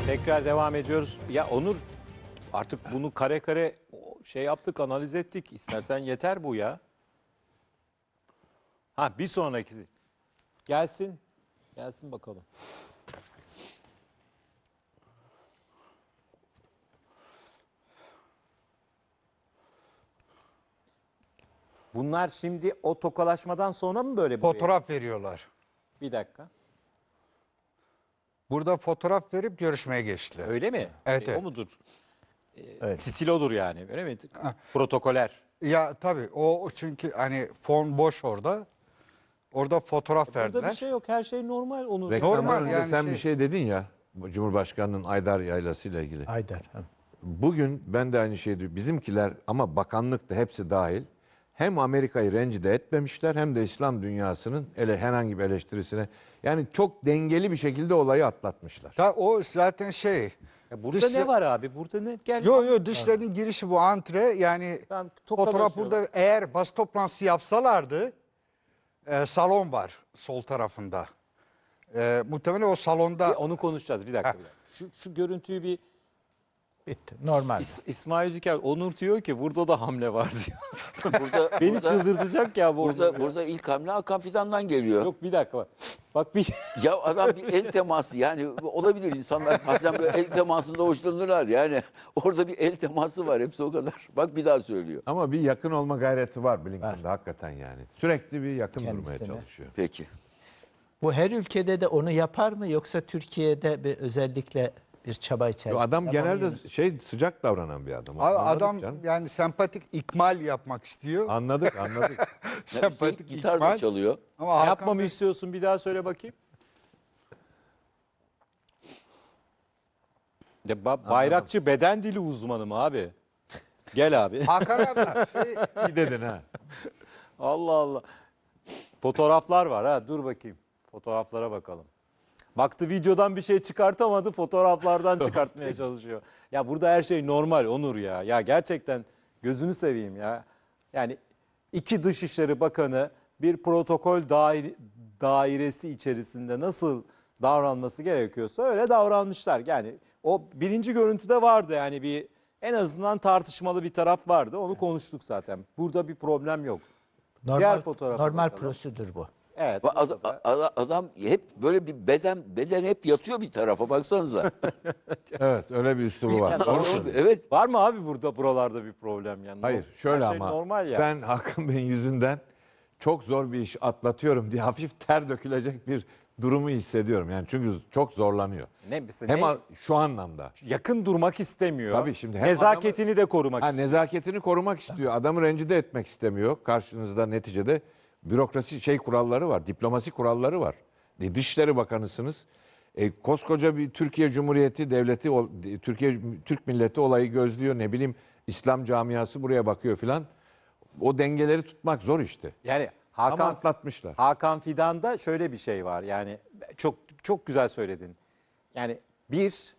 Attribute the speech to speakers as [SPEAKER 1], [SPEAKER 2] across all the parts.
[SPEAKER 1] Tekrar devam ediyoruz. Ya Onur, artık bunu kare kare şey yaptık, analiz ettik. İstersen yeter bu ya. Ha, bir sonraki gelsin. Gelsin bakalım. Bunlar şimdi o tokalaşmadan sonra mı böyle buraya?
[SPEAKER 2] Fotoğraf veriyorlar.
[SPEAKER 1] Bir dakika.
[SPEAKER 2] Burada fotoğraf verip görüşmeye geçtiler.
[SPEAKER 1] Öyle mi?
[SPEAKER 2] Evet, evet.
[SPEAKER 1] O mudur?
[SPEAKER 3] Evet.
[SPEAKER 1] Stil odur yani. Öyle mi? Protokoler.
[SPEAKER 2] Ya tabii o çünkü hani fon boş orada. Orada fotoğraf
[SPEAKER 1] Burada
[SPEAKER 2] verdiler.
[SPEAKER 1] bir şey yok. Her şey normal. Onur.
[SPEAKER 2] Normal
[SPEAKER 4] Normal
[SPEAKER 2] yani
[SPEAKER 4] sen
[SPEAKER 2] şey-
[SPEAKER 4] bir şey dedin ya Cumhurbaşkanı'nın Aydar Yaylası ile ilgili.
[SPEAKER 3] Aydar. Ha.
[SPEAKER 4] Bugün ben de aynı şeyi diyorum. Bizimkiler ama bakanlık da hepsi dahil hem Amerika'yı rencide etmemişler hem de İslam dünyasının herhangi bir eleştirisine yani çok dengeli bir şekilde olayı atlatmışlar.
[SPEAKER 2] O zaten şey.
[SPEAKER 1] Ya burada
[SPEAKER 2] Dış-
[SPEAKER 1] ne var abi? Burada ne? Gel.
[SPEAKER 2] Yo dışlarının girişi bu antre yani
[SPEAKER 1] Tamam,
[SPEAKER 2] fotoğraf
[SPEAKER 1] tokalaşıyorlar.
[SPEAKER 2] burada eğer bas toplantısı yapsalardı salon var sol tarafında. Muhtemelen o salonda
[SPEAKER 1] Onu konuşacağız. Bir dakika. Bir dakika. Şu görüntüyü bir
[SPEAKER 3] Bitti. Normal.
[SPEAKER 1] İsmail Dükel, Onur diyor ki burada da hamle var diyor.
[SPEAKER 5] Burada,
[SPEAKER 1] Beni
[SPEAKER 5] burada,
[SPEAKER 1] çıldırtacak ya bu Onur ya.
[SPEAKER 5] burada ilk hamle Hakan Fidan'dan geliyor.
[SPEAKER 1] Yok bir dakika bak. Bak bir
[SPEAKER 5] Ya adam bir el teması yani olabilir insanlar bazen böyle el temasında hoşlanırlar yani. Orada bir el teması var hepsi o kadar. Bak bir daha söylüyor.
[SPEAKER 4] Ama bir yakın olma gayreti var Blinken'de hakikaten yani. Sürekli bir yakın durmaya
[SPEAKER 3] Kendisine.
[SPEAKER 4] çalışıyor.
[SPEAKER 5] Peki.
[SPEAKER 3] Bu her ülkede de onu yapar mı yoksa Türkiye'de bir özellikle bir çaba içerisinde?
[SPEAKER 4] Adam genelde sıcak davranan bir adam.
[SPEAKER 2] Abi
[SPEAKER 4] Anladık
[SPEAKER 2] adam
[SPEAKER 4] canım.
[SPEAKER 2] yani sempatik ikmal yapmak istiyor.
[SPEAKER 4] Anladık.
[SPEAKER 2] Sempatik
[SPEAKER 5] Gitar da
[SPEAKER 2] ikmal.
[SPEAKER 5] çalıyor.
[SPEAKER 2] Ama Hakan
[SPEAKER 1] yapmamı
[SPEAKER 2] Bey-
[SPEAKER 1] istiyorsun, bir daha söyle bakayım. Ya bayrakçı beden dili uzmanım abi. Gel abi.
[SPEAKER 2] Hakan abi
[SPEAKER 4] İyi dedin ha.
[SPEAKER 1] Allah Allah. Fotoğraflar var ha, dur bakayım. Fotoğraflara bakalım. Baktı videodan bir şey çıkartamadı, fotoğraflardan çıkartmaya çalışıyor. Ya burada her şey normal Onur ya. Ya gerçekten gözünü seveyim ya. Yani iki Dışişleri Bakanı bir protokol dairesi içerisinde nasıl davranması gerekiyorsa öyle davranmışlar. Yani o birinci görüntüde vardı yani bir en azından tartışmalı bir taraf vardı. Onu konuştuk zaten. Burada bir problem yok. Diğer
[SPEAKER 3] normal,
[SPEAKER 1] fotoğrafa
[SPEAKER 3] normal
[SPEAKER 1] bakalım.
[SPEAKER 3] prosedür bu.
[SPEAKER 1] Evet.
[SPEAKER 5] Bak Adam hep böyle bir beden hep yatıyor bir tarafa baksanıza.
[SPEAKER 4] Evet öyle bir üslubu var. Doğru söylüyorsun.
[SPEAKER 5] Evet.
[SPEAKER 1] Var mı abi buralarda bir problem yani?
[SPEAKER 4] Hayır şöyle
[SPEAKER 1] Her şey
[SPEAKER 4] ama
[SPEAKER 1] normal ya.
[SPEAKER 4] ben Hakan Bey'in yüzünden çok zor bir iş atlatıyorum diye hafif ter dökülecek bir durumu hissediyorum. Yani çünkü çok zorlanıyor.
[SPEAKER 1] Ne mesela
[SPEAKER 4] Hem
[SPEAKER 1] ne?
[SPEAKER 4] şu anlamda.
[SPEAKER 1] Yakın durmak istemiyor.
[SPEAKER 4] Tabii şimdi hem
[SPEAKER 1] nezaketini de korumak
[SPEAKER 4] Ha,
[SPEAKER 1] istiyor.
[SPEAKER 4] nezaketini korumak istiyor. Adamı rencide etmek istemiyor. Karşınızda neticede bürokrasi kuralları var. Diplomasi kuralları var. Dışişleri Bakanısınız. Koskoca bir Türkiye Cumhuriyeti devleti, Türk milleti olayı gözlüyor. Ne bileyim İslam camiası buraya bakıyor filan. O dengeleri tutmak zor işte.
[SPEAKER 1] Yani
[SPEAKER 4] Ama
[SPEAKER 1] Hakan
[SPEAKER 4] atlatmışlar.
[SPEAKER 1] Hakan Fidan'da şöyle bir şey var. Yani çok güzel söyledin. Yani bir,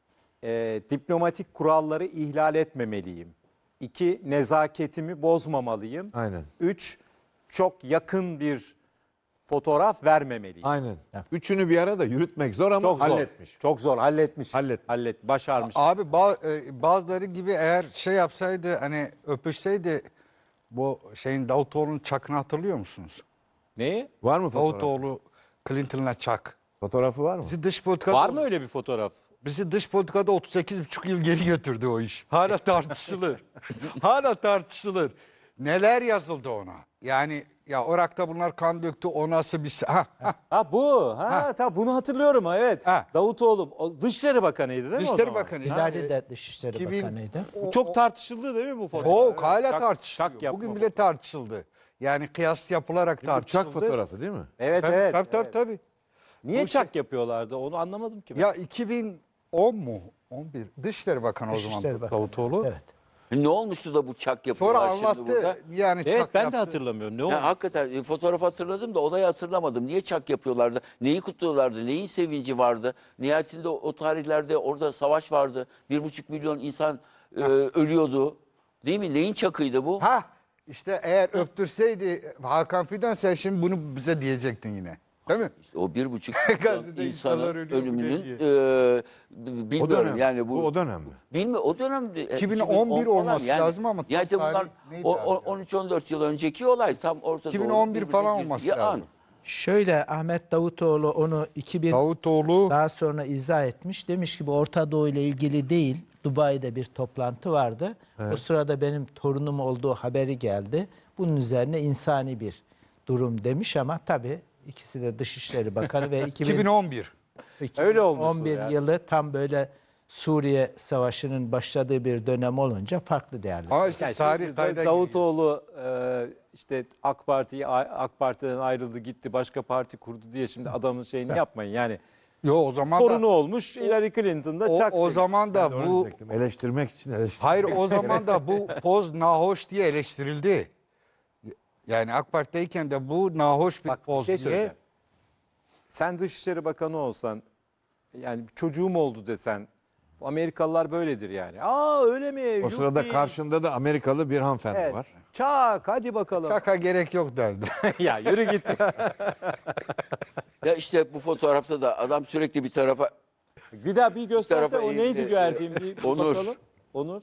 [SPEAKER 1] diplomatik kuralları ihlal etmemeliyim. İki, nezaketimi bozmamalıyım.
[SPEAKER 4] Aynen.
[SPEAKER 1] Üç, çok yakın bir fotoğraf vermemeliyim.
[SPEAKER 4] Aynen. Üçünü bir arada yürütmek zor ama
[SPEAKER 1] Çok zor.
[SPEAKER 4] halletmiş.
[SPEAKER 1] Çok zor. Halletmiş.
[SPEAKER 4] Hallet.
[SPEAKER 1] Başarmış.
[SPEAKER 2] abi bazıları gibi eğer şey yapsaydı hani öpüşseydi bu şeyin Davutoğlu'nun çakını hatırlıyor musunuz?
[SPEAKER 1] Neyi?
[SPEAKER 4] Var mı fotoğrafı?
[SPEAKER 2] Davutoğlu Clinton'la çak.
[SPEAKER 4] Fotoğrafı var mı?
[SPEAKER 2] Bizi dış politikada
[SPEAKER 1] Var mı öyle bir fotoğraf?
[SPEAKER 2] Bizi dış politikada 38,5 yıl geri götürdü o iş. Hala tartışılır. Hala tartışılır. Neler yazıldı ona? Yani ya Irak'ta bunlar kan döktü o nasıl bir...
[SPEAKER 1] Ha bu. Tabii bunu hatırlıyorum evet.
[SPEAKER 2] Ha.
[SPEAKER 1] Davutoğlu o Dışişleri Bakanıydı değil mi o
[SPEAKER 2] Dışişleri
[SPEAKER 1] zaman?
[SPEAKER 2] Bakanı.
[SPEAKER 3] İdari de Dışişleri
[SPEAKER 2] 2000
[SPEAKER 3] Bakanıydı.
[SPEAKER 1] Bu çok tartışıldı değil mi bu fotoğraf?
[SPEAKER 2] Çok hala
[SPEAKER 1] Şak
[SPEAKER 2] tartışılıyor.
[SPEAKER 1] yapma
[SPEAKER 2] Bugün
[SPEAKER 1] bu.
[SPEAKER 2] bile tartışıldı. Yani kıyas yapılarak tartışıldı.
[SPEAKER 4] Uçak fotoğrafı değil mi?
[SPEAKER 1] Evet
[SPEAKER 2] Tabii,
[SPEAKER 1] evet.
[SPEAKER 2] tabii,
[SPEAKER 1] evet.
[SPEAKER 2] tabii.
[SPEAKER 1] Niye
[SPEAKER 2] Bu
[SPEAKER 1] çak yapıyorlardı onu anlamadım ki ben.
[SPEAKER 2] Ya 2010 mu? 11. Dışişleri Bakanı o
[SPEAKER 3] Dışişleri
[SPEAKER 2] zaman
[SPEAKER 3] Bakanı.
[SPEAKER 2] Davutoğlu.
[SPEAKER 3] Evet.
[SPEAKER 5] Ne olmuştu da bu çak
[SPEAKER 2] Sonra
[SPEAKER 5] yapıyorlar şimdi
[SPEAKER 2] anlattı.
[SPEAKER 5] burada?
[SPEAKER 2] Yani
[SPEAKER 1] Evet
[SPEAKER 2] çak
[SPEAKER 1] ben de
[SPEAKER 2] yaptı.
[SPEAKER 1] hatırlamıyorum. Ne oldu?
[SPEAKER 5] Ya hakikaten fotoğrafı hatırladım da olayı hatırlamadım. Niye çak yapıyorlardı? Neyi kutluyorlardı? Neyin sevinci vardı? Nihayetinde o tarihlerde orada savaş vardı. 1,5 milyon insan ölüyordu. Değil mi? Neyin çakıydı bu?
[SPEAKER 2] Ha işte eğer öptürseydi Hakan Fidan sen şimdi bunu bize diyecektin yine. Değil mi?
[SPEAKER 5] O 1,5
[SPEAKER 2] Gazze'de
[SPEAKER 5] milyon
[SPEAKER 2] insanlar
[SPEAKER 5] insanın
[SPEAKER 2] ölüyor,
[SPEAKER 5] ölümünün
[SPEAKER 2] bu
[SPEAKER 5] Bilmiyorum
[SPEAKER 4] dönem.
[SPEAKER 5] yani bu.
[SPEAKER 4] O dönem mi?
[SPEAKER 5] Bilmiyorum o dönem
[SPEAKER 2] 2011
[SPEAKER 5] falan
[SPEAKER 2] olması lazım ama tam
[SPEAKER 5] nihayetinde bunlar
[SPEAKER 2] tarih neydi abi ya?
[SPEAKER 5] 13-14 yıl önceki olay tam ortada.
[SPEAKER 2] 2011
[SPEAKER 5] birbirine
[SPEAKER 2] falan
[SPEAKER 5] girdiği
[SPEAKER 2] olması
[SPEAKER 5] an.
[SPEAKER 2] lazım.
[SPEAKER 3] Şöyle Ahmet Davutoğlu onu 2000
[SPEAKER 2] Davutoğlu
[SPEAKER 3] daha sonra izah etmiş. Demiş ki bu Orta Doğu ile ilgili değil. Dubai'de bir toplantı vardı. O sırada benim torunum olduğu haberi geldi. Bunun üzerine insani bir durum demiş ama tabii ikisi de Dışişleri Bakanı ve
[SPEAKER 2] 2011.
[SPEAKER 1] Öyle olmuş
[SPEAKER 3] 2011
[SPEAKER 1] ya.
[SPEAKER 3] yılı tam böyle Suriye Savaşı'nın başladığı bir dönem olunca farklı değerler.
[SPEAKER 2] Ama işte
[SPEAKER 1] Yani
[SPEAKER 2] tarih
[SPEAKER 1] şimdi
[SPEAKER 2] kayda
[SPEAKER 1] Davutoğlu işte AK Parti'den ayrıldı gitti başka parti kurdu diye şimdi adamın şeyini yapmayın. Yani
[SPEAKER 2] Yo o zaman
[SPEAKER 1] torunu
[SPEAKER 2] da
[SPEAKER 1] olmuş Hillary Clinton'da çaktı.
[SPEAKER 2] o zaman da bu
[SPEAKER 4] Diyecektim, eleştirmek için eleştirmek.
[SPEAKER 2] hayır o zaman da bu poz nahoş diye eleştirildi. Yani AK Parti'deyken de bu nahoş bir
[SPEAKER 1] Bak bir
[SPEAKER 2] poz
[SPEAKER 1] şey
[SPEAKER 2] diye.
[SPEAKER 1] söyleyeceğim. Sen Dışişleri Bakanı olsan yani çocuğum oldu desen Amerikalılar böyledir yani. Aa öyle mi?
[SPEAKER 4] O sırada
[SPEAKER 1] Yuppi.
[SPEAKER 4] karşında da Amerikalı bir hanımefendi
[SPEAKER 1] Evet.
[SPEAKER 4] var.
[SPEAKER 1] Çak hadi bakalım.
[SPEAKER 2] Şaka gerek yok derdi.
[SPEAKER 1] Ya yürü git.
[SPEAKER 5] Ya işte bu fotoğrafta da adam sürekli bir tarafa
[SPEAKER 1] Bir daha bir gösterse
[SPEAKER 5] tarafa
[SPEAKER 1] o neydi
[SPEAKER 5] eğildi.
[SPEAKER 1] güvercin bir
[SPEAKER 5] Onur.
[SPEAKER 1] bakalım. Onur.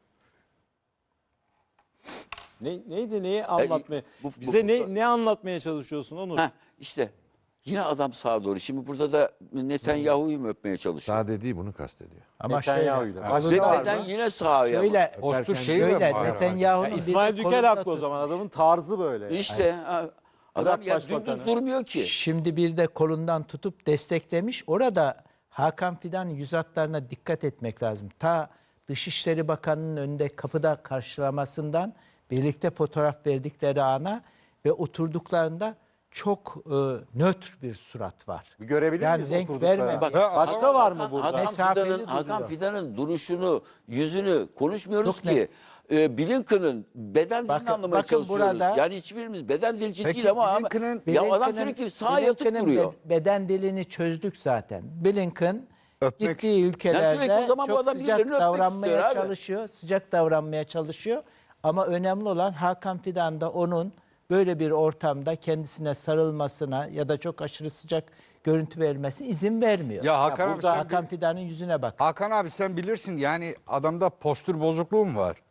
[SPEAKER 1] Neydi neyi anlatmaya?
[SPEAKER 5] bu
[SPEAKER 1] Bize
[SPEAKER 5] foto-
[SPEAKER 1] ne anlatmaya çalışıyorsun Onur?
[SPEAKER 5] Heh, işte yine adam sağa doğru. Şimdi burada da Netanyahu'yu mu öpmeye çalışıyor?
[SPEAKER 4] Sade değil bunu kastediyor.
[SPEAKER 3] Ama şöyle,
[SPEAKER 1] Netanyahu'yla.
[SPEAKER 3] kolunda-
[SPEAKER 1] Başka var
[SPEAKER 5] Beden
[SPEAKER 1] mı?
[SPEAKER 5] yine sağa ya.
[SPEAKER 3] şöyle,
[SPEAKER 2] Postur şeyi
[SPEAKER 3] şöyle
[SPEAKER 2] var.
[SPEAKER 3] Netanyahu'nun
[SPEAKER 1] Ya İsmail
[SPEAKER 3] biri
[SPEAKER 1] Dükel
[SPEAKER 3] kolunda
[SPEAKER 1] haklı o zaman adamın tarzı böyle.
[SPEAKER 5] İşte adam
[SPEAKER 1] Irak
[SPEAKER 5] ya
[SPEAKER 1] Başbakanı.
[SPEAKER 5] dümdüz durmuyor ki.
[SPEAKER 3] Şimdi bir de kolundan tutup desteklemiş. Orada Hakan Fidan'ın yüz hatlarına dikkat etmek lazım. Ta Dışişleri Bakanı'nın önünde kapıda karşılamasından birlikte fotoğraf verdikleri ana ve oturduklarında çok nötr bir surat var.
[SPEAKER 1] Bir görebilir
[SPEAKER 3] Yani
[SPEAKER 1] miyiz
[SPEAKER 3] renk
[SPEAKER 1] oturduklarını?
[SPEAKER 3] verme.
[SPEAKER 5] Bak,
[SPEAKER 1] Başka var mı burada?
[SPEAKER 3] Mesafeli
[SPEAKER 5] Hakan
[SPEAKER 3] duruyor.
[SPEAKER 5] Fidan'ın duruşunu, yüzünü konuşmuyoruz
[SPEAKER 3] Çok
[SPEAKER 5] ki.
[SPEAKER 3] net.
[SPEAKER 5] Blinken'ın beden dilini
[SPEAKER 3] Bakın-
[SPEAKER 5] anlamaya
[SPEAKER 3] bakın
[SPEAKER 5] çalışıyoruz.
[SPEAKER 3] burada-
[SPEAKER 5] Yani hiçbirimiz beden dilci
[SPEAKER 2] Peki
[SPEAKER 5] değil ama ya adam
[SPEAKER 3] Blinken'ın-
[SPEAKER 5] sürekli sağa yatıp
[SPEAKER 3] Blinken'ın
[SPEAKER 5] duruyor.
[SPEAKER 3] beden dilini çözdük zaten. Blinken
[SPEAKER 2] Öpmek-
[SPEAKER 3] gittiği
[SPEAKER 5] Yani
[SPEAKER 3] ülkelerde
[SPEAKER 5] sürekli o zaman bu
[SPEAKER 3] çok
[SPEAKER 5] adam
[SPEAKER 3] sıcak
[SPEAKER 5] birilerini öpmek
[SPEAKER 3] davranmaya
[SPEAKER 5] istiyor abi.
[SPEAKER 3] çalışıyor. Sıcak davranmaya çalışıyor. Ama önemli olan Hakan Fidan da onun böyle bir ortamda kendisine sarılmasına ya da çok aşırı sıcak görüntü vermesine izin vermiyor.
[SPEAKER 2] Ya Hakan abi
[SPEAKER 1] burada
[SPEAKER 2] sen
[SPEAKER 3] Hakan Fidan'ın yüzüne bak.
[SPEAKER 2] Hakan abi sen bilirsin yani adamda postür bozukluğu mu var?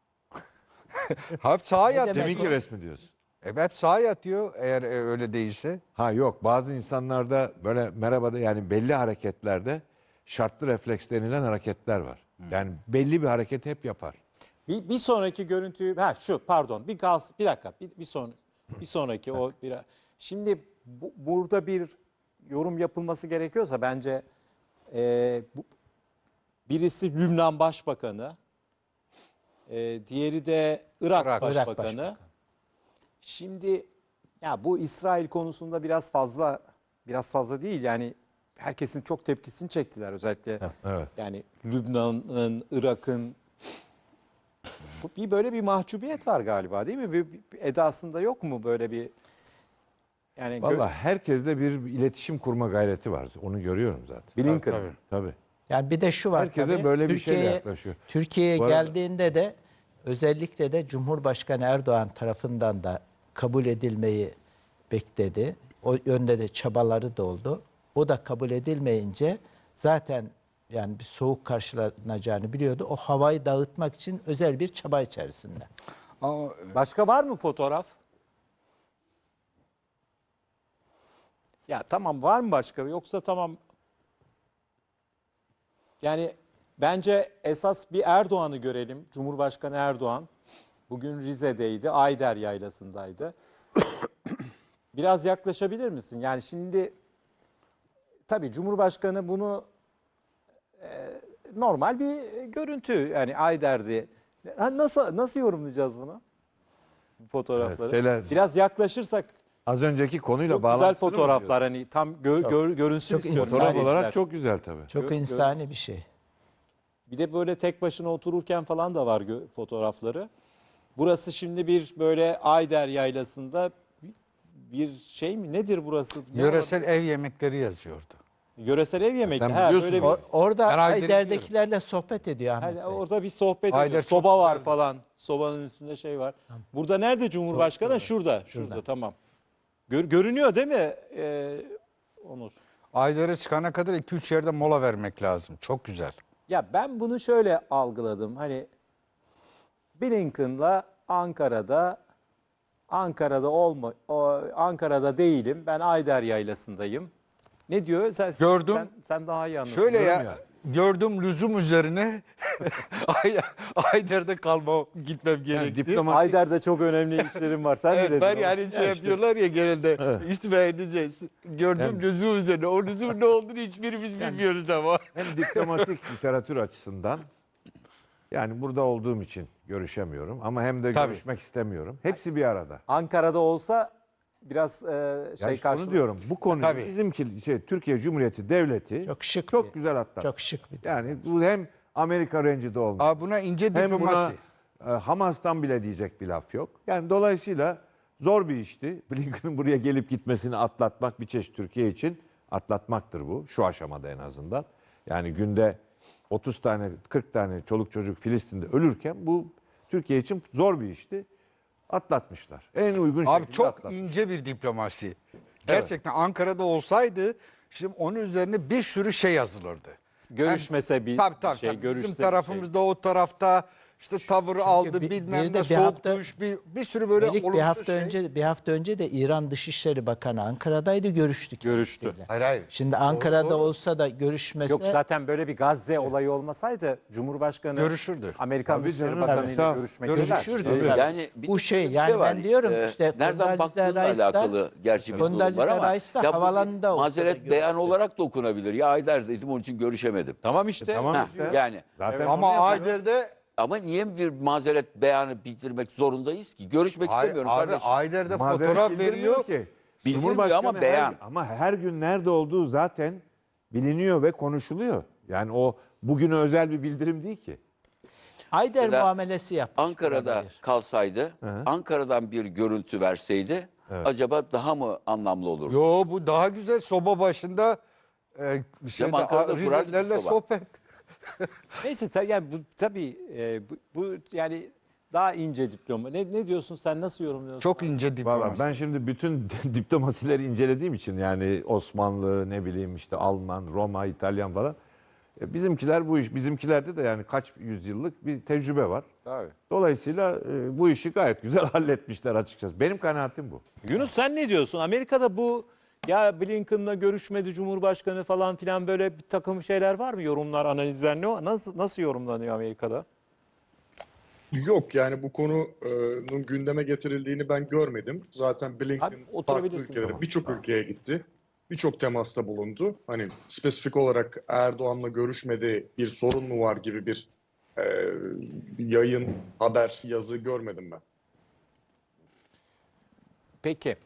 [SPEAKER 2] Hep sağa yatıyor.
[SPEAKER 3] demek
[SPEAKER 4] Deminki resmi diyorsun.
[SPEAKER 2] Hep sağa yatıyor eğer öyle değilse.
[SPEAKER 4] Ha yok, bazı insanlarda böyle merhabada yani belli hareketlerde şartlı refleks denilen hareketler var. Yani belli bir hareket hep yapar.
[SPEAKER 1] Bir sonraki görüntüyü şu pardon bir kalsın bir dakika bir sonraki o bir şimdi burada bir yorum yapılması gerekiyorsa bence birisi Lübnan Başbakanı diğeri de Irak
[SPEAKER 2] Irak
[SPEAKER 1] Başbakanı.
[SPEAKER 3] Başbakanı.
[SPEAKER 1] Şimdi ya bu İsrail konusunda biraz fazla değil yani herkesin çok tepkisini çektiler özellikle.
[SPEAKER 4] Evet.
[SPEAKER 1] Yani Lübnan'ın, Irak'ın böyle bir mahcubiyet var galiba değil mi? Bir edasında yok mu böyle bir yani
[SPEAKER 4] Vallahi herkeste bir iletişim kurma gayreti var. Onu görüyorum zaten.
[SPEAKER 1] Blinken.
[SPEAKER 4] Tabii.
[SPEAKER 3] Yani bir de şu var
[SPEAKER 4] Herkese
[SPEAKER 3] tabii,
[SPEAKER 4] böyle bir şeyle
[SPEAKER 3] Türkiye'ye-
[SPEAKER 4] yaklaşıyor.
[SPEAKER 3] Türkiye'ye
[SPEAKER 4] Bu arada-
[SPEAKER 3] geldiğinde de özellikle de Cumhurbaşkanı Erdoğan tarafından da kabul edilmeyi bekledi. O yönde de çabaları da oldu. O da kabul edilmeyince zaten yani bir soğuk karşılanacağını biliyordu. O havayı dağıtmak için özel bir çaba içerisinde.
[SPEAKER 2] Ama
[SPEAKER 1] Başka var mı fotoğraf? Ya tamam var mı başka yoksa tamam. Yani bence esas bir Erdoğan'ı görelim. Cumhurbaşkanı Erdoğan bugün Rize'deydi, Ayder Yaylası'ndaydı. Biraz yaklaşabilir misin? Yani şimdi tabii Cumhurbaşkanı bunu normal bir görüntü yani Ayder'di. Nasıl yorumlayacağız bunu? Bu fotoğrafları.
[SPEAKER 4] Evet,
[SPEAKER 1] Biraz yaklaşırsak
[SPEAKER 4] Az önceki konuyla
[SPEAKER 1] çok güzel
[SPEAKER 4] bağlantısını mı
[SPEAKER 1] fotoğraflar hani tam görünsün
[SPEAKER 3] Çok
[SPEAKER 1] istiyorum.
[SPEAKER 4] Fotoğraf
[SPEAKER 1] seyirciler.
[SPEAKER 4] olarak çok güzel tabii.
[SPEAKER 3] Çok
[SPEAKER 1] Gö-
[SPEAKER 3] insani bir şey.
[SPEAKER 1] Bir de böyle tek başına otururken falan da var fotoğrafları. Burası şimdi bir böyle Ayder Yaylası'nda bir şey mi? Nedir burası? Ne
[SPEAKER 2] yöresel ev yemekleri yazıyordu.
[SPEAKER 1] olabilir? Yöresel ev yemekleri.
[SPEAKER 4] Sen
[SPEAKER 1] Ha,
[SPEAKER 4] biliyorsun
[SPEAKER 1] böyle
[SPEAKER 4] o-
[SPEAKER 1] bir,
[SPEAKER 3] Orada
[SPEAKER 2] Ben Ayder'i
[SPEAKER 3] Ayder'dekilerle sohbet ediyor Ahmet
[SPEAKER 1] hani
[SPEAKER 3] Bey.
[SPEAKER 1] orada bir sohbet
[SPEAKER 2] Ayder
[SPEAKER 1] ediyor.
[SPEAKER 2] çok
[SPEAKER 1] Soba var
[SPEAKER 2] güzeldi.
[SPEAKER 1] falan. Sobanın üstünde şey var. Burada nerede Cumhurbaşkanı? Şurada. Tamam. Görünüyor değil mi Onur?
[SPEAKER 2] Aydar'a çıkana kadar 2-3 yerde mola vermek lazım. Çok güzel.
[SPEAKER 1] Ya ben bunu şöyle algıladım. Hani Blinken'la Ankara'da değilim. Ben Ayder Yaylası'ndayım. Ne diyor?
[SPEAKER 2] Gördüm.
[SPEAKER 1] Sen daha iyi anlatıyorsun.
[SPEAKER 2] Şöyle ya, gördüm lüzum üzerine Aydar'da gitmem gerekti.
[SPEAKER 4] diplomatik
[SPEAKER 1] Ayder'de çok önemli işlerim var. Sen mi
[SPEAKER 2] Evet,
[SPEAKER 1] dedin?
[SPEAKER 2] ben
[SPEAKER 1] onu?
[SPEAKER 2] yani şey yapıyorlar ya genelde istifa edeceğiz. Gördüm lüzum üzerine. O lüzum ne olduğunu hiçbirimiz bilmiyoruz ama.
[SPEAKER 4] hem diplomatik literatür açısından, yani burada olduğum için görüşemiyorum ama hem de
[SPEAKER 2] Tabii.
[SPEAKER 4] görüşmek istemiyorum. Hepsi bir arada.
[SPEAKER 1] Ankara'da olsa biraz
[SPEAKER 4] Ya işte onu
[SPEAKER 1] karşılığı.
[SPEAKER 4] diyorum. Bu konuyu
[SPEAKER 2] Tabii.
[SPEAKER 4] Türkiye Cumhuriyeti Devleti
[SPEAKER 3] Çok şık
[SPEAKER 4] çok
[SPEAKER 3] bir-
[SPEAKER 4] güzel atlattı.
[SPEAKER 3] Çok şık bir.
[SPEAKER 4] Yani bu hem Amerika rencide olmuş.
[SPEAKER 2] Abi buna ince
[SPEAKER 4] Hem
[SPEAKER 2] diplomasi.
[SPEAKER 4] buna Hamas'tan bile diyecek bir laf yok. Yani dolayısıyla zor bir işti. Blinken'ın buraya gelip gitmesini atlatmak bir çeşit Türkiye için atlatmaktır bu. Şu aşamada en azından. Yani günde 30 tane 40 tane çoluk çocuk Filistin'de ölürken bu Türkiye için zor bir işti. Atlatmışlar. En uygun
[SPEAKER 2] Abi
[SPEAKER 4] şekilde
[SPEAKER 2] çok
[SPEAKER 4] atlatmışlar.
[SPEAKER 2] ince bir diplomasi. Gerçekten Ankara'da olsaydı şimdi onun üzerine bir sürü şey yazılırdı.
[SPEAKER 1] Görüşmese bir
[SPEAKER 2] Tabii,
[SPEAKER 1] şey,
[SPEAKER 2] tabii.
[SPEAKER 1] görüşse
[SPEAKER 2] Bizim
[SPEAKER 1] bir şey.
[SPEAKER 2] tarafımızda o tarafta işte tavır aldı
[SPEAKER 3] bir
[SPEAKER 2] bilmem
[SPEAKER 3] de
[SPEAKER 2] ne
[SPEAKER 3] bir
[SPEAKER 2] soğuk
[SPEAKER 3] hafta-
[SPEAKER 2] duş bir sürü böyle
[SPEAKER 3] Melik
[SPEAKER 2] olumsuz
[SPEAKER 3] bir hafta önce de İran Dışişleri Bakanı Ankara'daydı, görüştü.
[SPEAKER 1] Görüştü.
[SPEAKER 3] kendisiyle.
[SPEAKER 2] Hayır.
[SPEAKER 3] Şimdi Ankara'da olsa da görüşmese
[SPEAKER 1] Yok zaten böyle bir Gazze olayı olmasaydı Cumhurbaşkanı
[SPEAKER 2] Görüşürdü.
[SPEAKER 1] Amerikan
[SPEAKER 4] Tabii
[SPEAKER 1] Dışişleri
[SPEAKER 4] canım,
[SPEAKER 1] Bakanı ile
[SPEAKER 4] tabii.
[SPEAKER 1] görüşmek
[SPEAKER 2] Görüşürdü.
[SPEAKER 1] ister.
[SPEAKER 3] görüşürdü.
[SPEAKER 5] Yani
[SPEAKER 3] Bu şey,
[SPEAKER 5] bir
[SPEAKER 3] yani
[SPEAKER 5] var.
[SPEAKER 3] ben diyorum işte
[SPEAKER 5] nereden
[SPEAKER 3] Condoleezza
[SPEAKER 5] baktığınla
[SPEAKER 3] Rice'da-
[SPEAKER 5] alakalı gerçi bir durum var
[SPEAKER 3] Condoleezza
[SPEAKER 5] ama
[SPEAKER 3] Rice da
[SPEAKER 5] ya bu
[SPEAKER 3] havalanında olsa da
[SPEAKER 5] mazeret
[SPEAKER 3] görüştü.
[SPEAKER 5] beyan olarak da okunabilir. Ya Haydar dedim onun için görüşemedim.
[SPEAKER 1] Tamam işte.
[SPEAKER 4] Tamam
[SPEAKER 5] Ha,
[SPEAKER 4] işte.
[SPEAKER 5] yani
[SPEAKER 4] Zaten
[SPEAKER 2] Ama
[SPEAKER 4] onu yapıyor.
[SPEAKER 2] Ayder'de
[SPEAKER 5] ama niye bir mazeret beyanı bildirmek zorundayız ki? Görüşmek istemiyorum
[SPEAKER 2] abi
[SPEAKER 5] kardeşim.
[SPEAKER 2] Ayder'de
[SPEAKER 4] Mazeret
[SPEAKER 2] fotoğraf
[SPEAKER 4] bildirmiyor
[SPEAKER 2] veriyor.
[SPEAKER 4] ki.
[SPEAKER 5] Bildirmiyor
[SPEAKER 4] Cumhurbaşkanı
[SPEAKER 5] ama beyan.
[SPEAKER 4] ama her gün nerede olduğu zaten biliniyor ve konuşuluyor. Yani o bugüne özel bir bildirim değil ki.
[SPEAKER 3] Ayder
[SPEAKER 5] Mesela
[SPEAKER 3] muamelesi yapmış.
[SPEAKER 5] Ankara'da
[SPEAKER 3] olabilir.
[SPEAKER 5] kalsaydı, Ankara'dan bir görüntü verseydi acaba daha mı anlamlı olurdu?
[SPEAKER 2] Yo bu daha güzel soba başında
[SPEAKER 5] Ankara'da kurardık
[SPEAKER 2] Rizelilerle
[SPEAKER 5] soba.
[SPEAKER 2] sohbet.
[SPEAKER 1] Neyse yani bu tabii bu yani daha ince diploma. Ne diyorsun sen, nasıl yorumluyorsun?
[SPEAKER 2] Çok ince
[SPEAKER 4] Valla
[SPEAKER 2] diplomasi.
[SPEAKER 4] ben şimdi bütün diplomasileri incelediğim için, yani Osmanlı, ne bileyim işte Alman, Roma, İtalyan falan. Bizimkiler bu iş, bizimkilerde de yani kaç yüzyıllık bir tecrübe var.
[SPEAKER 1] Tabii.
[SPEAKER 4] Dolayısıyla bu işi gayet güzel halletmişler açıkçası. Benim kanaatim bu.
[SPEAKER 1] Yunus sen ne diyorsun? Amerika'da bu ya Blinken'la görüşmedi Cumhurbaşkanı falan filan, böyle bir takım şeyler var mı? Yorumlar, analizler ne? Nasıl yorumlanıyor Amerika'da?
[SPEAKER 6] Yok yani bu konunun gündeme getirildiğini ben görmedim. Zaten Blinken
[SPEAKER 1] Abi,
[SPEAKER 6] farklı
[SPEAKER 1] oturabilirsin.
[SPEAKER 6] ülkelere, birçok ülkeye gitti. Birçok temasta bulundu. Hani spesifik olarak Erdoğan'la görüşmedi, bir sorun mu var gibi bir yayın, haber, yazı görmedim ben.
[SPEAKER 1] Peki.